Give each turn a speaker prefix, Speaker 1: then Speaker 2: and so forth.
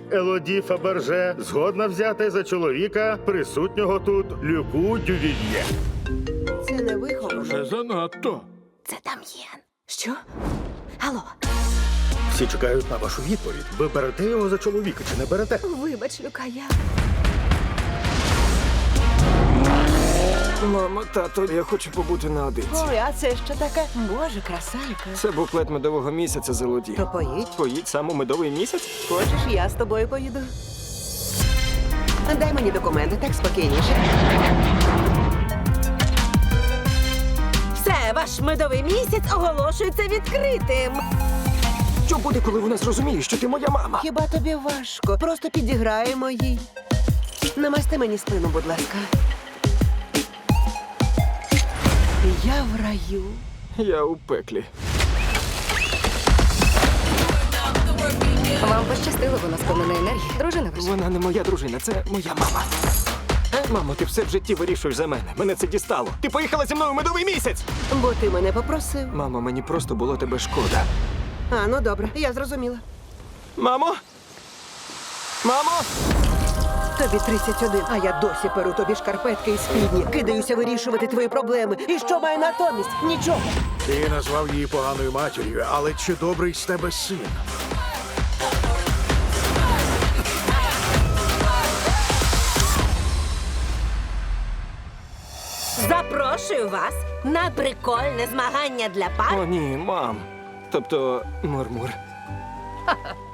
Speaker 1: Елоді Фаберже згодна взяти за чоловіка присутнього тут Люку Дювільє.
Speaker 2: Це не виховано.
Speaker 3: Вже занадто.
Speaker 2: Це Дам'єн. Що? Алло,
Speaker 1: Всі чекають на вашу відповідь. Ви берете його за чоловіка чи не берете?
Speaker 2: вибач, Люка, я...
Speaker 4: Мамо, тато, я хочу побути наодинці.
Speaker 2: Ой, а це що таке? Боже, краса яка.
Speaker 4: Це буклет медового місяця Зелоді.
Speaker 2: То поїдь.
Speaker 4: Поїдь саме у медовий місяць?
Speaker 2: Хочеш, я з тобою поїду? Дай мені документи, так спокійніше. Все, ваш медовий місяць оголошується відкритим.
Speaker 4: Що буде, коли вона зрозуміє, що ти моя мама?
Speaker 2: Хіба тобі важко? Просто підіграємо їй. Намасти мені спину, будь ласка. Я в раю.
Speaker 4: Я у пеклі.
Speaker 5: Вам пощастило, вона сповнена енергії. Дружина ваша.
Speaker 4: Вона не моя дружина, це моя мама. Мамо, ти все в житті вирішуєш за мене. Мене це дістало. Ти поїхала зі мною у медовий місяць!
Speaker 2: Бо ти мене попросив.
Speaker 4: Мамо, мені просто було тебе шкода.
Speaker 2: А, ну добре, я зрозуміла.
Speaker 4: Мамо? Мамо?
Speaker 2: Тобі 31, а я досі перу тобі шкарпетки і спідні. Кидаюся вирішувати твої проблеми. І що маю натомість? Нічого.
Speaker 3: Ти назвав її поганою матір'ю, але чи добрий з тебе син?
Speaker 6: Запрошую вас на прикольне змагання для пар.
Speaker 4: О, ні, мам. Тобто, Мурмур.